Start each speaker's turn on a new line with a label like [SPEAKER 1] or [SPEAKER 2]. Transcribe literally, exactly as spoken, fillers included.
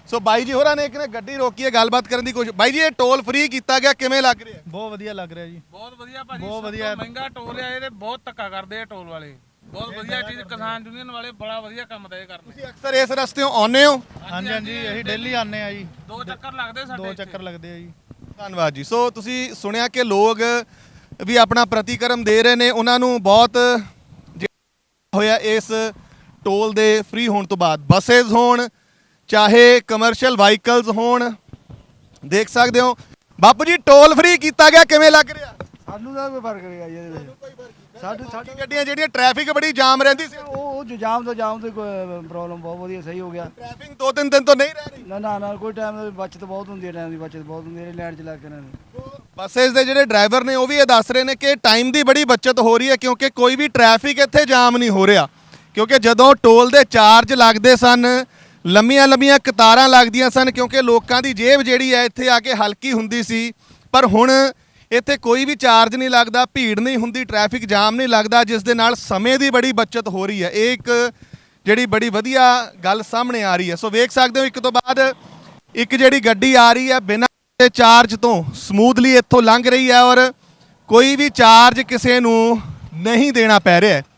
[SPEAKER 1] ਸੋ ਬਾਈ ਜੀ ਹੋਰਾਂ ਨੇ ਇੱਕ ਨੇ ਗੱਡੀ ਰੋਕੀ ਹੈ, ਗੱਲਬਾਤ ਕਰਨ ਦੀ ਕੋਸ਼ਿਸ਼। ਬਾਈ ਜੀ ਇਹ ਟੋਲ ਫ੍ਰੀ ਕੀਤਾ ਗਿਆ, ਕਿਵੇਂ ਲੱਗ ਰਿਹਾ?
[SPEAKER 2] ਬਹੁਤ ਵਧੀਆ ਲੱਗ ਰਿਹਾ ਜੀ,
[SPEAKER 3] ਬਹੁਤ ਵਧੀਆ ਭਾਜੀ,
[SPEAKER 2] ਬਹੁਤ
[SPEAKER 3] ਸਭ
[SPEAKER 2] ਵਧੀਆ।
[SPEAKER 3] ਤੋਂ ਮਹਿੰਗਾ ਟੋਲ ਆ, ਇਹਦੇ ਬਹੁਤ ਧੱਕਾ ਕਰਦੇ ਆ ਟੋਲ ਵਾਲੇ। ਬਹੁਤ ਵਧੀਆ ਚੀਜ਼, ਕਿਸਾਨ ਯੂਨੀਅਨ ਵਾਲੇ ਬੜਾ ਵਧੀਆ ਕੰਮ ਦਾ ਇਹ ਕਰਦੇ।
[SPEAKER 1] ਤੁਸੀਂ ਅਕਸਰ ਇਸ ਰਸਤੇੋਂ ਆਉਂਦੇ ਹੋ?
[SPEAKER 2] ਹਾਂਜੀ ਹਾਂਜੀ, ਅਸੀਂ ਡੇਲੀ ਆਉਂਦੇ ਆ ਜੀ,
[SPEAKER 3] ਦੋ ਚੱਕਰ ਲੱਗਦੇ ਸਾਡੇ
[SPEAKER 2] ਦੋ
[SPEAKER 3] ਇੱਥੇ।
[SPEAKER 2] ਚੱਕਰ ਲੱਗਦੇ ਆ ਜੀ।
[SPEAKER 1] ਧੰਨਵਾਦ ਜੀ। ਸੋ ਤੁਸੀਂ ਸੁਣਿਆ ਕਿ ਲੋਕ ਵੀ ਆਪਣਾ ਪ੍ਰਤੀਕਰਮ ਦੇ ਰਹੇ ਨੇ, ਉਹਨਾਂ ਨੂੰ ਬਹੁਤ ਹੋਇਆ ਇਸ ਟੋਲ ਦੇ ਫ੍ਰੀ ਹੋਣ ਤੋਂ ਬਾਅਦ। ਬੱਸੇਜ਼ ਹੋਣ ਚਾਹੇ ਕਮਰਸ਼ੀਅਲ ਵਾਹੀਕਲਸ ਹੋਣ, ਦੇਖ ਸਕਦੇ ਹੋ। ਬਾਪੂ ਜੀ ਟੋਲ ਫ੍ਰੀ ਕੀਤਾ ਗਿਆ, ਕਿਵੇਂ ਲੱਗ ਰਿਹਾ?
[SPEAKER 4] ਸਾਨੂੰ ਦਾ ਕੋਈ ਫਰਕ ਨਹੀਂ ਆ ਜੀ ਇਹਦੇ ਵਿੱਚ। ਸਾਡੇ
[SPEAKER 1] ਸਾਡੀ ਗੱਡੀਆਂ ਜਿਹੜੀਆਂ ਟ੍ਰੈਫਿਕ ਬੜੀ ਜਾਮ ਰਹਿੰਦੀ ਸੀ,
[SPEAKER 4] ਉਹ ਉਹ ਜੋ ਜਾਮ ਤੋਂ ਜਾਮ ਤੋਂ ਕੋਈ ਪ੍ਰੋਬਲਮ ਬਹੁਤ ਵਧੀਆ ਸਹੀ ਹੋ ਗਿਆ।
[SPEAKER 1] ਟ੍ਰੈਫਿਕ ਦੋ ਤਿੰਨ ਦਿਨ ਤੋਂ ਨਹੀਂ ਰਹਿ ਰਹੀ।
[SPEAKER 4] ਨਾ ਨਾ ਨਾ ਕੋਈ ਟਾਈਮ ਦੀ ਬਚਤ ਬਹੁਤ ਹੁੰਦੀ ਹੈ, ਟਾਈਮ ਦੀ ਬਚਤ ਬਹੁਤ ਹੁੰਦੀ ਹੈ ਲਾਈਨ 'ਚ ਲੱਗ ਕੇ ਇਹਨਾਂ ਦੀ।
[SPEAKER 1] ਬੱਸੇਜ਼ ਦੇ ਜਿਹੜੇ ਡਰਾਈਵਰ ਨੇ ਉਹ ਵੀ ਇਹ ਦੱਸ ਰਹੇ ਨੇ ਕਿ ਟਾਈਮ ਦੀ ਬੜੀ ਬਚਤ ਹੋ ਰਹੀ ਹੈ, ਕਿਉਂਕਿ ਕੋਈ ਵੀ ਟ੍ਰੈਫਿਕ ਇੱਥੇ ਜਾਮ ਨਹੀਂ ਹੋ ਰਿਹਾ। ਕਿਉਂਕਿ ਜਦੋਂ ਟੋਲ ਦੇ ਚਾਰਜ ਲੱਗਦੇ ਸਨ, ਲੰਮੀਆਂ ਲੰਮੀਆਂ ਕਤਾਰਾਂ ਲੱਗਦੀਆਂ ਸਨ, ਕਿਉਂਕਿ ਲੋਕਾਂ ਦੀ ਜੇਬ ਜਿਹੜੀ ਹੈ ਇੱਥੇ ਆ ਕੇ ਹਲਕੀ ਹੁੰਦੀ ਸੀ। ਪਰ ਹੁਣ ਇੱਥੇ ਕੋਈ ਵੀ ਚਾਰਜ ਨਹੀਂ ਲੱਗਦਾ, ਭੀੜ ਨਹੀਂ ਹੁੰਦੀ, ਟ੍ਰੈਫਿਕ ਜਾਮ ਨਹੀਂ ਲੱਗਦਾ, ਜਿਸ ਦੇ ਨਾਲ ਸਮੇਂ ਦੀ ਬੜੀ ਬਚਤ ਹੋ ਰਹੀ ਹੈ। ਇਹ ਇੱਕ ਜਿਹੜੀ ਬੜੀ ਵਧੀਆ ਗੱਲ ਸਾਹਮਣੇ ਆ ਰਹੀ ਹੈ। ਸੋ ਵੇਖ ਸਕਦੇ ਹੋ ਇੱਕ ਤੋਂ ਬਾਅਦ ਇੱਕ ਜਿਹੜੀ ਗੱਡੀ ਆ ਰਹੀ ਹੈ ਬਿਨਾਂ ਚਾਰਜ ਤੋਂ ਸਮੂਥਲੀ ਇੱਥੋਂ ਲੰਘ ਰਹੀ ਹੈ, ਔਰ ਕੋਈ ਵੀ ਚਾਰਜ ਕਿਸੇ ਨੂੰ ਨਹੀਂ ਦੇਣਾ ਪੈ ਰਿਹਾ ਹੈ।